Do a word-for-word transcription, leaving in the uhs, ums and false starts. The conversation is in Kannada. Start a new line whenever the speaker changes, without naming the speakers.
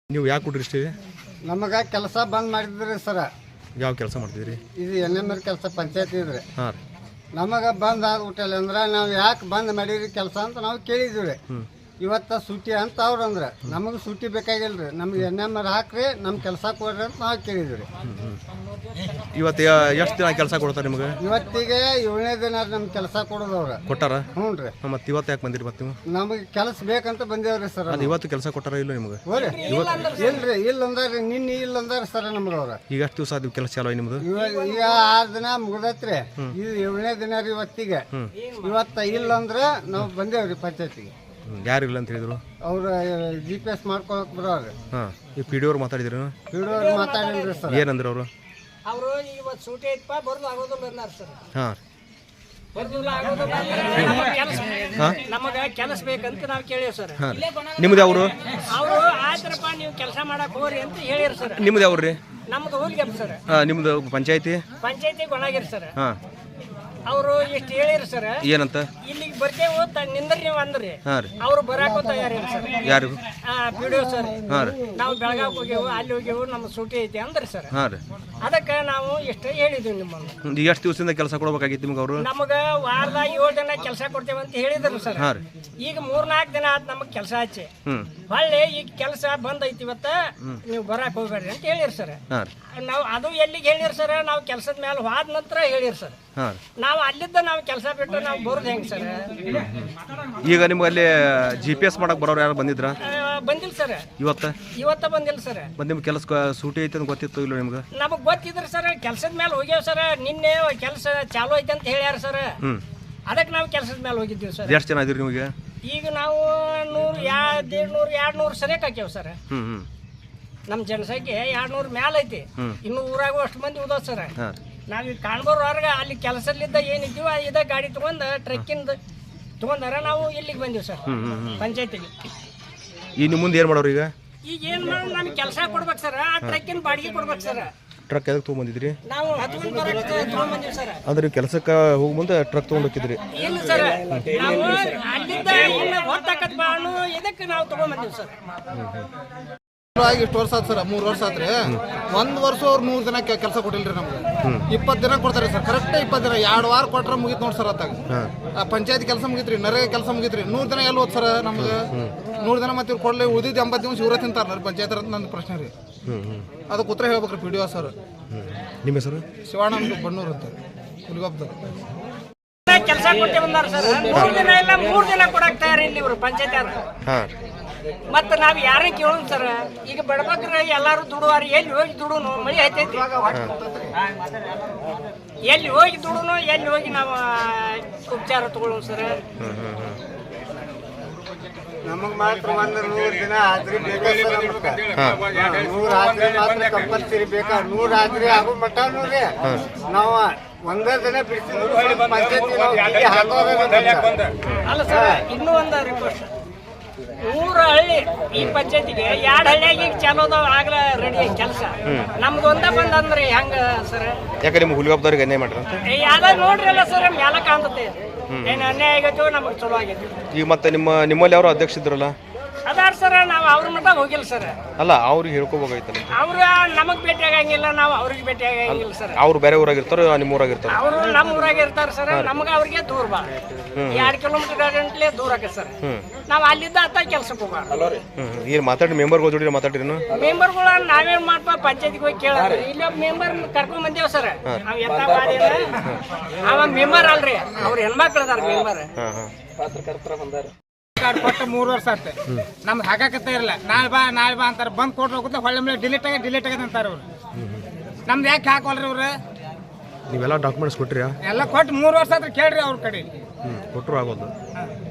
ನೀವು ಯಾಕೆ ಕೊಡ್ರಿ ಇಷ್ಟ
ನಮಗೆ ಕೆಲಸ ಬಂದ್ ಮಾಡಿದ್ರಿ ಸರ.
ಯಾವ ಕೆಲಸ ಮಾಡ್ತಿದ್ರಿ?
ಇದು ಎನ್ ಎಮ್ ಎಲ್ ಕೆಲಸ ಪಂಚಾಯತ್ ಇದ್ರಿ.
ಹಾಂ ರೀ.
ನಮಗೆ ಬಂದ್ ಆಗ್ಬಿಟ್ಟಲ್ಲ ಅಂದ್ರೆ ನಾವು ಯಾಕೆ ಬಂದ್ ಮಾಡಿರಿ ಕೆಲಸ ಅಂತ ನಾವು ಕೇಳಿದ್ವಿ. ಇವತ್ತ ಸೂಟಿ ಅಂತ ಅವ್ರು ಅಂದ್ರೆ ನಮಗೆ ಸೂಟಿ ಬೇಕಾಗಿಲ್ರಿ, ನಮ್ಗೆ ಎನ್ ಎಮ್ ಎಲ್ ಹಾಕ್ರಿ, ನಮ್ಮ ಕೆಲಸ ಕೊಡ್ರಿ ಅಂತ ನಾವು ಕೇಳಿದ್ವಿ.
ಇವತ್ತು ಎಷ್ಟು ದಿನ ಕೆಲಸ ಕೊಡ್ತಾರೆ ನಿಮಗೆ?
ಇವತ್ತಿಗೆ ಏಳನೇ ದಿನ ನಮ್ಗೆ ಕೆಲಸ ಕೊಡೋದವ್ರ
ಕೊಟ್ಟಾರ.
ಹ್ಞೂ ರೀ.
ಮತ್ತೆ ಇವತ್ತು ಯಾಕೆ ಬಂದಿರಿ? ಮತ್ತೆ ನೀವು
ನಮಗೆ ಕೆಲಸ ಬೇಕಂತ ಬಂದೇವ್ರಿ ಸರ್.
ಅದು ಇವತ್ತು ಕೆಲಸ ಕೊಟ್ಟಾರ ಇಲ್ಲ ನಿಮಗೆ?
ಇಲ್ರಿ, ಇಲ್ಲ ಅಂದಾರ ನಿನ್ನೆ ಇಲ್ಲ ಅಂದಾರ ಸರ್ ನಮ್ಗೆ ಅವ್ರ.
ಈಗ ಎಷ್ಟು ದಿವಸ ಅದು ಕೆಲಸ ಚಾಲು ನಿಮ್ದು?
ಈಗ ಆರು ದಿನ ಮುಗ್ದೈತ್ರಿ, ಇದು ಏಳನೇ ದಿನ ರೀ ಇವತ್ತಿಗೆ. ಇವತ್ತ ಇಲ್ಲ ಅಂದ್ರೆ ನಾವು ಬಂದೇವ್ರಿ ಪಂಚಾಯತಿಗೆ.
ಯಾರು ಇಲ್ಲ ಅಂತ ಹೇಳಿದ್ರು?
ಅವ್ರ ಜಿ ಪಿ ಎಸ್ ಮಾಡ್ಕೊಳಕ್ ಬರೋರಿ.
ಹಾಂ, ಈ ಪಿ ಡಿ ಅವ್ರು ಮಾತಾಡಿದ್ರು?
ಪಿ ಡಿ ಅವ್ರು ಮಾತಾಡಿಲ್ರಿ ಸರ್.
ಏನಂದ್ರೆ ಅವರು?
ಅವರು ಇವತ್ತು ಸೂಟಿ ಐತಪ್ಪ ಬರೋದು ಆಗೋದಿಲ್ಲ ಅನ್ನಾರ ಸರ್.
ಹಾಂ,
ನಮಗೆ ಕೆಲಸ ಬೇಕಂತ ನಾವು ಕೇಳೀವಿ ಸರ್.
ನಿಮ್ದು ಅವರು?
ಅವರು ಆಯ್ತರಪ್ಪ ನೀವು ಕೆಲಸ ಮಾಡಕ್ ಹೋಗ್ರಿ ಅಂತ ಹೇಳಿರಿ ಸರ್.
ನಿಮ್ದು ಯಾವ್ದು ರೀ?
ನಮ್ದು ಊರಿಗೆ ಸರ್.
ಹಾಂ, ನಿಮ್ದು ಪಂಚಾಯತಿ?
ಪಂಚಾಯತಿ ಗೊಣಾಗಿರಿ ಸರ್.
ಹಾಂ,
ಅವರು ಎಷ್ಟು ಹೇಳಿರಿ ಸರ್.
ಏನಂತ?
ಇಲ್ಲಿಗೆ ಬರ್ತೇವೆ ನಿಂದ್ರಿ ನೀವು ಅಂದ್ರಿ.
ಹಾಂ ರೀ.
ಅವ್ರು ಬರಾಕ ತಯಾರಿಲ್ಲ ಸರ್.
ಯಾರು?
P D O sir.
ಹಾಂ ರೀ.
ನಾವು ಬೆಳಗಾವ್ ಹೋಗ್ಯವು, ಅಲ್ಲಿ ಹೋಗ್ಯವು, ನಮ್ಮ ಸೂಟಿ ಐತಿ ಅಂದ್ರಿ ಸರ್.
ಹಾಂ ರೀ.
ಅದಕ್ಕೆ ನಾವು ಎಷ್ಟು ಹೇಳಿದ್ವಿ ನಿಮ್ಮನ್ನು.
ಈಗ ಎಷ್ಟು ದಿವಸದಿಂದ ಕೆಲಸ ಕೊಡ್ಬೇಕಾಗಿತ್ತು ನಿಮ್ಗೆ ಅವರು?
ನಮಗೆ ವಾರದಾಗ ಏಳು ದಿನ ಕೆಲಸ ಕೊಡ್ತೇವೆ ಅಂತ ಹೇಳಿದ್ರು ಸರ್.
ಹಾಂ ರೀ.
ಈಗ ಮೂರ್ನಾಲ್ಕು ದಿನ ಆಯ್ತು ನಮಗೆ ಕೆಲಸ ಹಚ್ಚಿ.
ಹ್ಞೂ.
ಹೊಳ್ಳಿ ಈಗ ಕೆಲಸ ಬಂದ್ ಐತಿ ಇವತ್ತ, ನೀವು ಬರಾಕ್ ಹೋಗ್ಬೇಡ್ರಿ ಅಂತ ಹೇಳಿರಿ ಸರ್.
ಹಾಂ ರೀ.
ನಾವು ಅದು ಎಲ್ಲಿಗೆ ಹೇಳಿರಿ ಸರ್, ನಾವು ಕೆಲಸದ ಮೇಲೆ ಹೋದ ನಂತರ ಹೇಳಿರಿ ಸರ್.
ಹಾಂ.
ನಾವು ಅಲ್ಲಿದ್ದ ನಾವು ಕೆಲಸ ಬಿಟ್ಟು ನಾವು ಬರೋದು ಹೆಂಗೆ ಸರ್?
ಈಗ ನಿಮ್ಗೆ ಅಲ್ಲಿ ಜಿ ಪಿ ಎಸ್ ಮಾಡಕ್ ಬರೋರು ಯಾರು ಬಂದಿದ್ರ?
ಬಂದಿಲ್ಲ ಸರ್.
ಇವತ್ತ
ಇವತ್ತ ಬಂದಿಲ್ಲ ಸರ್.
ಮತ್ತೆ ನಿಮ್ಗೆ ಕೆಲಸ ಸೂಟಿ ಐತೆ ಅಂತ ಗೊತ್ತಿತ್ತು ಇಲ್ಲ ನಿಮ್ಗೆ?
ನಮಗೆ ಗೊತ್ತಿದ್ರಿ ಸರ್, ಕೆಲಸದ ಮೇಲೆ ಹೋಗ್ಯಾವ ಸರ್. ನಿನ್ನೆ ಕೆಲಸ ಚಾಲು ಐತೆ ಅಂತ ಹೇಳ್ಯಾರ ಸರ್.
ಹ್ಞೂ.
ಅದಕ್ಕೆ ನಾವು ಕೆಲಸದ ಮೇಲೆ ಹೋಗಿದ್ದೀವಿ ಸರ್.
ಎಷ್ಟು ಜನ ಇದೀರಿ ನಿಮಗೆ? ಈಗ
ನಾವು ನೂರು ಎರಡು ದೇಡ್ ನೂರು ಎರಡು ನೂರು ಸರಿಯಾಗಿ ಹಾಕ್ಯಾವ ಸರ್.
ಹ್ಞೂ ಹ್ಞೂ.
ನಮ್ಮ ಜನಸಂಖ್ಯೆ ಎರಡು ನೂರು ಮ್ಯಾಲ ಐತಿ. ಇನ್ನು ಊರಾಗೂ ಅಷ್ಟು ಮಂದಿ ಉದಾವ ಸರ್.
ಹಾಂ.
ನಾವೀಗ ಕಾಣ್ಬೋರ್ವರ್ಗ ಅಲ್ಲಿ ಕೆಲಸದಲ್ಲಿದ್ದ ಏನಿದ್ದೀವ ಇದ ಗಾಡಿ ತೊಗೊಂಡು ಟ್ರಕ್ಕಿಂದ ತೊಗೊಂಡಾರ ನಾವು ಇಲ್ಲಿಗೆ ಬಂದೀವಿ ಸರ್, ಪಂಚಾಯತಿಗೆ.
ಈ ನಿಮ್ಮ ಮುಂದೆ ಏನು ಮಾಡೋರು ಈಗ?
ಈಗ ಏನು ಮಾಡೋದು, ನಮ್ಗೆ ಕೆಲಸ ಕೊಡ್ಬೇಕು ಸರ್. ಆ ಟ್ರಕ್ಕಿನ ಬಾಡಿಗೆ ಕೊಡ್ಬೇಕು ಸರ್.
ಟ್ರಕ್ ಎದಕ್ಕೆ ತೊಗೊಂಬಂದಿದ್ರಿ?
ನಾವು ಹತ್ಕೊಂಡು ಬರೋಕ್ಕೆ ತೊಗೊಂಬಂದೀವಿ ಸರ್.
ಅಂದ್ರೆ ಕೆಲಸಕ್ಕೆ ಹೋಗಿ ಮುಂದೆ ಟ್ರಕ್ ತೊಗೊಂಡು ಹೋಗಿದ್ರಿ?
ಇಲ್ಲ ಸರ್, ನಾವು ಅಲ್ಲಿದ್ದ ಇನ್ನು ಹೊತ್ತಾಕತ್ ಬಾಳು ಇದಕ್ಕೆ ನಾವು ತೊಗೊಂಬಂದೀವಿ ಸರ್.
ಇಷ್ಟು ವರ್ಷ ಆಯ್ತು ಸರ್, ಮೂರು ವರ್ಷ ಆತ್ರಿ. ಒಂದ್ ವರ್ಷ ಅವ್ರು ಮೂರು ದಿನ ಕೆಲಸ ಕೊಟ್ಟಿಲ್ರಿ ನಮ್ಗೆ. ಇಪ್ಪತ್ತು ದಿನ ಕೊಡ್ತಾರೆ ಸರ್, ಕರೆಕ್ಟ್ ಇಪ್ಪತ್ತು ದಿನ. ಎರಡು ವಾರ ಕೊಟ್ರೆ ಮುಗಿತ್ ನೋಡಿ ಸರ್. ಅತ್ತಾಗ ಪಂಚಾಯತ್ ಕೆಲಸ ಮುಗಿತ್ರಿ, ನರೇಗಾ ಕೆಲಸ ಮುಗಿತ್ರಿ. ನೂರು ದಿನ ಎಲ್ಲಿ ಹೋದ್ ಸರ್ ನಮ್ಗೆ? ನೂರು ದಿನ ಮತ್ತೆ ಇವ್ರು ಕೊಡ್ಲಿ, ಉಳಿದಿದ್ದು ಎಂಬತ್ತು ದಿವಸ ಇವ್ರ ತಿಂತಾರ ಪಂಚಾಯತ್ ಅಂತ ನನ್ನ ಪ್ರಶ್ನೆ ರೀ. ಅದಕ್ಕೆ ಉತ್ತರ ಹೇಳ್ಬೇಕ್ರಿ ಪಿ ಡಿ ಒ ಸರ್.
ನಿಮ್ಮ ಹೆಸರು?
ಶಿವಾನಂದ ಬಣ್ಣೂರ್ ಅಂತ ಹುಲಿಗೊಬ್ಬದ.
ಕೆಲಸ ಕೊಟ್ಟೆ ಬಂದಾರ ಸರ್. ಮೂರು ದಿನ ಇಲ್ಲ ಮೂರು ದಿನ ಕೊಡಕ್ ತಯಾರಿ ಇಲ್ಲಿ ಇವರು ಪಂಚಾಯತ್ ಯಾರು. ಮತ್ತೆ ನಾವು ಯಾರೇ ಕೇಳೋಣ ಸರ್. ಈಗ ಬಡಬಗ್ರ ಎಲ್ಲಾರು ದುಡುವಾರಿ, ಎಲ್ಲಿ ಹೋಗಿ ದುಡುನು? ಮಳಿ ಹತ್ತೈತಿ, ಎಲ್ಲಿ ಹೋಗಿ ದುಡುನು, ಎಲ್ಲಿ ಹೋಗಿ ನಾವು ಉಪಚಾರ ತಗೊಳ್ಳೋಣ ಸರ್.
ನಮಗ್ ಮಾತ್ರ ಒಂದು ನೂರು ದಿನ ಹಾಜರಿ ಬೇಕಾ ಸರ್. ನೂರು ಹಾಜರಿ ಮಾತ್ರ ಕಂಪಲ್ಸರಿ ಬೇಕಾ. ನೂರು ಹಾಜರಿ ಆಗೋ ಮಟ್ಟ ನೋಡ್ರಿ ನಾವು ಒಂದೇ ದಿನ ಬಿಡಿಸಿ ಪಂಚಾಯತಿ
ಅಲ್ಲ ಸರ್. ಇನ್ನೂ ಒಂದು ರಿಕ್ವೆಸ್ಟ್, ಮೂರು ಹಳ್ಳಿ ಈ ಪಂಚಾಯತಿಗೆ ಎರಡು ಹಳ್ಳಿಯಾಗಿ ಈಗ ಚಾಲೋ ಅದಾವ, ಆಗ್ಲ ರೆಡಿ ಕೆಲಸ. ನಮ್ದು ಒಂದ ಬಂದಂದ್ರಿ ಹೆಂಗ ಸರ್?
ಯಾಕೆ ನಿಮ್ಗೆ ಹುಲಿಗೊಬ್ಬದವ್ರಿಗೆ ಅನ್ಯಾಯ ಮಾಡ್ರ?
ಯಾವ್ದ ನೋಡ್ರಲ್ಲ ಸರ್, ಮ್ಯಾಲ ಕಾಣ್ತತೆ. ಏನು ಅನ್ಯಾಯ ಆಗೈತೋ ನಮಗೆ ಚಲೋ ಆಗೈತಿ.
ಈಗ ಮತ್ತೆ ನಿಮ್ಮ ನಿಮ್ಮಲ್ಲಿ ಯಾರು ಅಧ್ಯಕ್ಷ ಇದ್ರಲ್ಲ?
ಅದಾರ ಸರ್, ನಾವು ಅವ್ರ ಮಟ್ಟ ಹೋಗಿಲ್ಲ ಸರ್.
ಅಲ್ಲ, ಅವ್ರಿಗೆ ಹೇಳ್ಕೋಬೇಕಾಗಿತ್ತಲ್ಲ.
ಅವ್ರ ನಮಗ್ ಭೇಟಿ ಆಗಂಗಿಲ್ಲ, ನಾವು ಅವ್ರಿಗೆ ಭೇಟಿ ಆಗಂಗಿಲ್ಲ ಸರ್.
ಅವ್ರು ಬೇರೆ ಊರಾಗಿರ್ತಾರೋ ನಿಮ್ಮ ಊರಾಗಿರ್ತಾರ?
ಅವರು ನಮ್ಮ ಊರಾಗ ಇರ್ತಾರ ಸರ್. ನಮಗ ಅವ್ರಿಗೆ ದೂರ ಬಾ, ಎರಡು ಕಿಲೋಮೀಟರ್ ಗಂಟ್ಲೆ ದೂರ ಆಗ ಸರ್. ನಾವು ಅಲ್ಲಿದ್ದ ಅತ್ತ ಕೆಲ್ಸಕ್ಕೆ ಹೋಗ.
ಏನು ಮಾತಾಡಿ ಮೆಂಬರ್ಗಳು ಜೋಡಿ ಮಾತಾಡಿರಿ?
ಮೆಂಬರ್ಗಳ ನಾವೇನ್ ಮಾಡ್ಪ ಪಂಚಾಯತಿಗೆ ಹೋಗಿ ಕೇಳ. ಇಲ್ಲಿ ಮೆಂಬರ್ ಕರ್ಕೊಂಡ್ ಬಂದೇವ್ ಸರ್. ನಾವ್ ಎತ್ತ ಅವ ಮೆಂಬರ್ ಅಲ್ರಿ, ಅವ್ರ ಹೆಣ್ಮಕ್ಳು ಅದಾರ ಮೆಂಬರ್.
ಪತ್ರಕರ್ತರ ಬಂದಾರ. ಕೊಟ್ಟು ಮೂರು ವರ್ಷ ಆಯ್ತು, ನಮ್ದು ಹಾಕಾಕತ್ತ ಇರಲ್ಲ. ನಾಳೆ ಬಾ ನಾಳೆ ಬಾ ಅಂತಾರೆ. ಬಂದ್ ಕೊಟ್ಟು ಹೋಗುತ್ತೆ, ಹೊಳ್ಳೆ ಮೇಲೆ ಡಿಲೀಟ್ ಆಗಿ ಡಿಲೀಟ್ ಆಗದ ಅಂತಾರೆ ಅವ್ರು. ನಮ್ದು ಯಾಕೆ ಹಾಕೋಲ್ರಿ ಅವ್ರು?
ನೀವೆಲ್ಲ ಡಾಕ್ಯುಮೆಂಟ್ಸ್ ಕೊಟ್ರಿ?
ಎಲ್ಲ ಕೊಟ್ಟು ಮೂರು ವರ್ಷ ಆದ್ರೆ ಕೇಳ್ರಿ ಅವ್ರ ಕಡೆ.
ಕೊಟ್ಟರು ಆಗೋದು.